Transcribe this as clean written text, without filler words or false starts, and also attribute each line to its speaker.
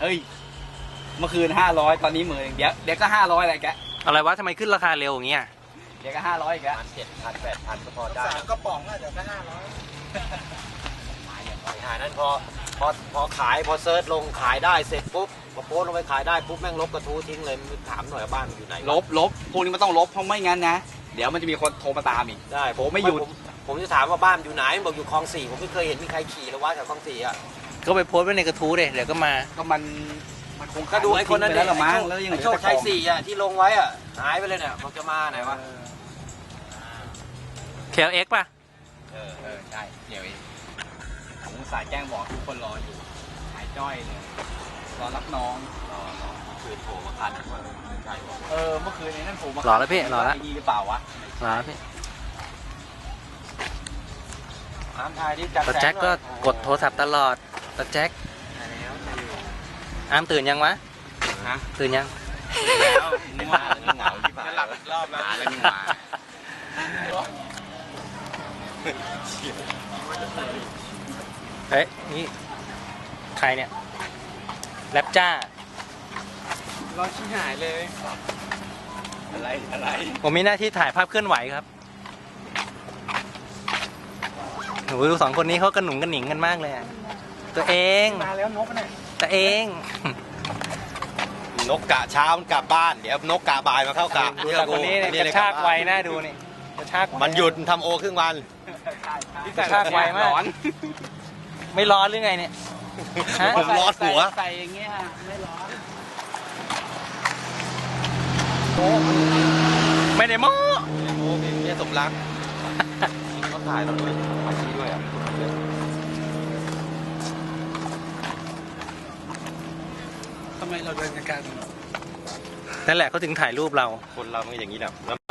Speaker 1: เฮ้ยเมื่อคืน500ตอนนี้10,000เดี๋ยวก็500แหละแก
Speaker 2: อะไรวะทำไมขึ้นราคาเร็วอย่างเงี้ย
Speaker 1: เดี๋ยวก็500อีกแล้ว
Speaker 3: 7,000 8,000ก็พอได้
Speaker 4: 3 กระป๋องอาจจะแค่500
Speaker 3: หานั้นพอขายพอเซิร์ชลงขายได้เสร็จปุ๊บพอโพสลงไปขายได้ปุ๊บแม่งลบกระทู้ทิ้งเลยถามหน่อยบ้านมันอยู่ไหน
Speaker 1: ลบพวกนี้มันต้องลบเพราะไม่งั้นนะเดี๋ยวมันจะมีคนโทรมาตามอีก
Speaker 3: ได้
Speaker 1: ผมไม่หยุด
Speaker 3: ผมจะถามว่าบ้านอยู่ไหนบอกอยู่คลอง4ผมไม่เคยเห็นมีใครขี่เลยว่าแถวคลอง4อ่ะ
Speaker 2: ก็ไปโพสต์ไว้ในกระทู้เลยเดี๋ยวก็มา
Speaker 1: ก็มันคง
Speaker 3: ก็ดูไอ้คนนั้น
Speaker 1: แล้วละมั้งแล้วยัง
Speaker 3: โชคชัย4อ่ะที่ลงไว้อ่ะหายไปเลยเนี่ยบอกจะมาไหนวะ
Speaker 2: KLX ป่ะ
Speaker 1: ใช่เดี๋ยวผมสายแจ้งบอกทุกคนรออยู่หายจ้อยเลยรอรับน้อง
Speaker 3: คืนโผล่มาคันว่าใช่ป่ะ
Speaker 1: เมื่อคืนนี้นั่นผมมาร
Speaker 2: อแล้วพี่รอแล้ว
Speaker 1: ดีหรือเปล่าวะ
Speaker 2: รอแล้วพี่
Speaker 3: น้ำทายที่จัด
Speaker 2: ตาแจ็คก็กดโทรศัพท์ตลอดตาแจ็คอามตื่นยังวะตื่นยัง
Speaker 1: แล้วนี่มาเหงาที่ผ่าน
Speaker 4: หลับอีกรอบ
Speaker 1: แล้วนี่มา
Speaker 2: เฮ้ยนี่ใครเนี่ยแรปจ้าร
Speaker 4: อชิ้นหายเลย
Speaker 1: อะไร
Speaker 2: ผมมีหน้าที่ถ่ายภาพเคลื่อนไหวครับโอ้โหดูสองคนนี้เขากระหนุงกระหนิงกันมากเลยตัวเอง
Speaker 4: มาแล้วนกเนี่ย
Speaker 2: ตัวเอง
Speaker 3: นกกะเช้ามันกลับบ้านเดี๋ยวนกกะบ่ายมาเข้ากะ
Speaker 2: ดูแต่คนนี้เนี่ยกระชากไวน่าดูนี่กระชาก
Speaker 3: มันหยุดทำโอครึ่งวัน
Speaker 2: กระชากไวมากไม่ร้อนหรือไงเนี่ย
Speaker 3: ผมร้อนหัว
Speaker 1: ใส่อย่างเงี้ยไม่ร้อน
Speaker 2: ไม่ได้โม้
Speaker 3: โอ้มีเมียสมรักเขาถ่ายเราด้วยมาชี้ด้วยอ่ะ
Speaker 4: ทำไมเราเดินกัน
Speaker 2: นั่นแหละเขาถึงถ่ายรูปเรา
Speaker 3: คนเรามันอย่างนี้แหละ